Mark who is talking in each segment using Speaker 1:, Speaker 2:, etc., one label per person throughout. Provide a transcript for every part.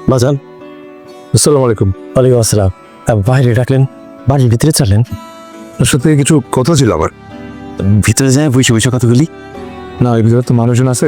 Speaker 1: বাজান,
Speaker 2: আসসালামু আলাইকুম।
Speaker 1: ওয়ালাইকুম আসসালাম। বাইরে ডাকলেন, বাড়ির ভিতরে চলেন।
Speaker 2: আপনার সাথে কিছু কথা ছিল আমার।
Speaker 1: ভিতরে যায় বসে বসে কতগুলি।
Speaker 2: না, এর ভিতরে তো মানুষজন আছে।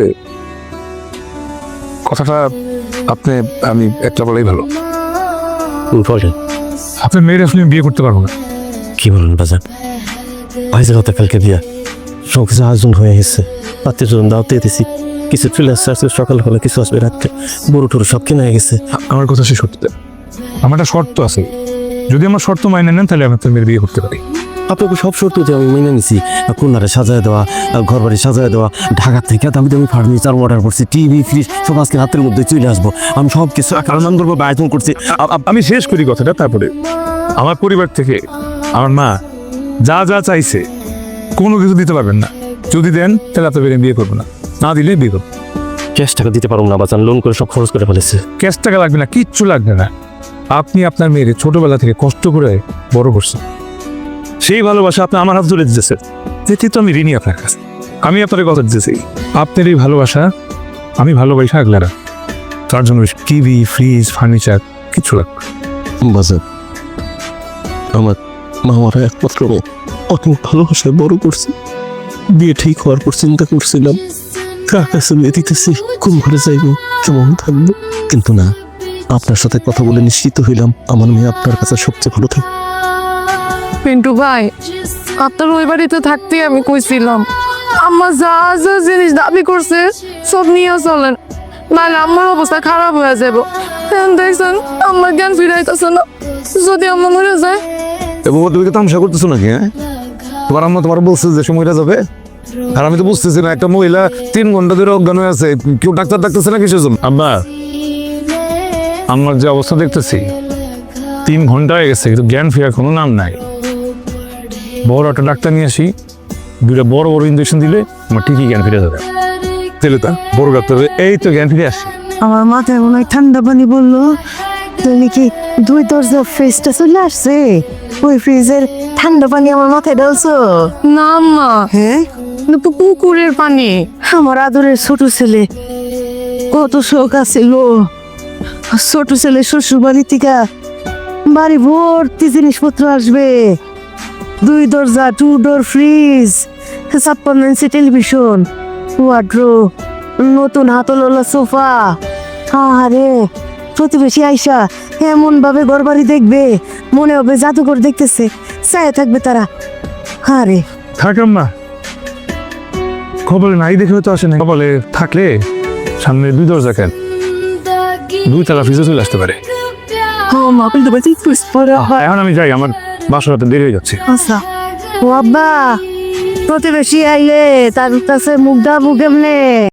Speaker 2: কথাটা আমি একটা বলেই ভালো।
Speaker 1: বলেন।
Speaker 2: আপনার মেয়ের আসলে আমি বিয়ে করতে পারবো না।
Speaker 1: কি বলুন বাজান, ভাই গতকালকে বিয়া, সব কিছু আয়োজন হয়ে গেছে। আত্মীয় স্বজন দাওয়াতে দিয়েছি, কিছু চলে আসছে, আজকে সকাল হলে কিছু আসবে রাত্রে, গরু টরু সব কেনা হয়ে গেছে।
Speaker 2: আমার কথা শেষ করতে দেন। আমার একটা শর্ত আছে, যদি আমার শর্ত মাইনে নেন তাহলে আমি আপনার মেয়ের বিয়ে করতে পারি।
Speaker 1: আপনাকে সব শর্ত দিয়ে আমি মেনে নিছি। কন্যারে সাজায় দেওয়া, ঘর বাড়ি সাজায় দেওয়া, ঢাকা থেকে দামি দামি ফার্নিচার অর্ডার করছি, টিভি ফ্রিজ সব আজকে রাতের মধ্যে চলে আসবো। আমি সব কিছু আনন্দ করবো, আয়োজন করছি।
Speaker 2: আমি শেষ করি কথাটা, তারপরে আমার পরিবার থেকে আমার মা যা যা চাইছে কোনো কিছু দিতে পারবেন না। যদি দেন তাহলে আপনার মেয়ের বিয়ে করবো না, না দিলে বিয়ে করবো।
Speaker 1: ক্যাশ টাকা দিতে পারবো না বাজান, লোন করে সব খরচ করে ফেলেছে।
Speaker 2: ক্যাশ টাকা লাগবে না, কিচ্ছু লাগবে না। আপনি আপনার মেয়ের ছোটবেলা থেকে কষ্ট করে বড় করছেন, সেই ভালোবাসা আপনি আমার হাত ধরে দিতেছেন, যেটি তো আমি ঋণী আপনার কাছে। আমি আপনার কথা দিতেছি, আপনার এই ভালোবাসা আমি ভালোবাসা আগলে রাখ। তার জন্য টিভি ফ্রিজ ফার্নিচার কিছু লাগবে
Speaker 1: বাজান, আমার মামারা একমাত্র অনেক ভালোবাসায় বড় করছি। বিয়ে ঠিক হওয়ার পর চিন্তা করছিলাম কার কাছে বিয়ে দিতেছি, কোন ঘরে যাইব, কেমন থাকবো। কিন্তু না, আপনার সাথে কথা বলে নিশ্চিত হইলাম আমার মেয়ে আপনার কাছে সবচেয়ে ভালো থাকবে।
Speaker 3: পিন্টু ভাই, আপনার ওই বাড়িতে থাকতে আমি কইছিলাম আমার যা যা জিনিস দাবি করছে সব নিয়ে চলেন, নাহলে আমার অবস্থা খারাপ হয়ে যাবো। দেখছেন আমার জ্ঞান ফিরাইতেছে না, যদি আমার মরে যায়।
Speaker 2: এবং তুমি কি তামসা করতেছো নাকি? হ্যাঁ, তোমার আম্মা তোমার বলছে যে সময়টা যাবে, আর আমি তো বুঝতেছি না। একটা মহিলা 3 ঘন্টা ধরে অজ্ঞান হয়ে আছে, কেউ ডাক্তার ডাকতেছে না কিসের জন্য? আম্মা, আমার যে অবস্থা দেখতেছি 3 ঘন্টা হয়ে গেছে, কিন্তু জ্ঞান ফেরার কোনো নাম নাই। বড় একটা ডাক্তার নিয়ে আসি, 2টা বড় বড় ইঞ্জেকশন দিলে আমার ঠিকই জ্ঞান ফিরে যাবে। তাহলে তা বড় ডাক্তার, এই তো জ্ঞান ফিরে আসি।
Speaker 4: আমার মাথায় মনে হয় ঠান্ডা পানি বললো। তুমি কি 2 দরজা ফ্রিজটা চলে আসছে? ওই ফ্রিজের ঠান্ডা পানি আমার মাথায় ঢালছো?
Speaker 3: না মা,
Speaker 4: হ্যাঁ,
Speaker 3: পুকুরের পানি।
Speaker 4: আমার আদরের ছোট ছেলে কত শোক আছিল। ছোট ছেলে শ্বশুর বাড়ি থেকে বাড়ি ভর্তি জিনিসপত্র আসবে। 2 দরজা 2 door fridge, 56 inch television, wardrobe, নতুন হাতলওয়ালা সোফা। আরে প্রতিবেশী আইসা এমন ভাবে ঘর বাড়ি দেখবে, মনে হবে জাদুঘর দেখতেছে, চায় থাকবে তারা। আরে
Speaker 2: থাক আম্মা, খবরে নাই দেখে তো আসে না। খবরে থাকলে সামনে 2 দরজা কেন, 2 তালা ফ্রিজে চলে আসতে পারে। এখন আমি যাই, আমার বাসাতে দেরি হয়ে যাচ্ছে।
Speaker 4: আচ্ছা ও আব্বা, প্রতিবেশী আইলে তার কাছে মুখ দাবু কেমনে?